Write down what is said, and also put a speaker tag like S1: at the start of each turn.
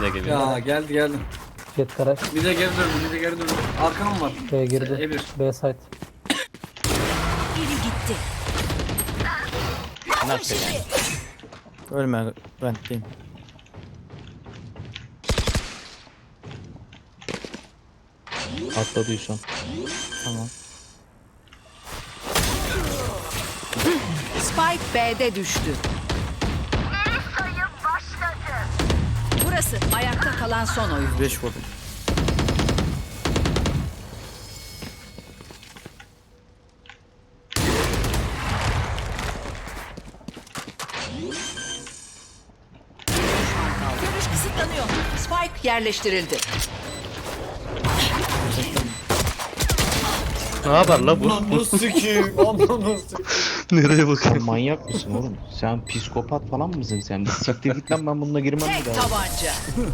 S1: de geliyor.
S2: Ya geldi.
S3: Jet garaj.
S2: Bir de geri döndü. Arkam var.
S3: B girdi.
S2: E1.
S3: B site.
S4: Biri gitti.
S1: Nasıl yani?
S5: Ölme rentliyim.
S1: Atladıysan.
S5: Tamam.
S4: Spike B'de düştü. Burası ayakta kalan son oyun.
S5: 5 vurdum.
S4: Görüş kısıtlanıyor. Spike yerleştirildi.
S1: Ne yapar la bu?
S2: Ananı sikeyim. Ananı sikeyim.
S1: Nereye
S6: Sen
S1: bakıyorsun?
S6: manyak mısın oğlum? Sen psikopat falan mısın sen? Bir siktir git lan, ben bununla girmem bir
S4: Tek
S6: daha.
S4: tabanca.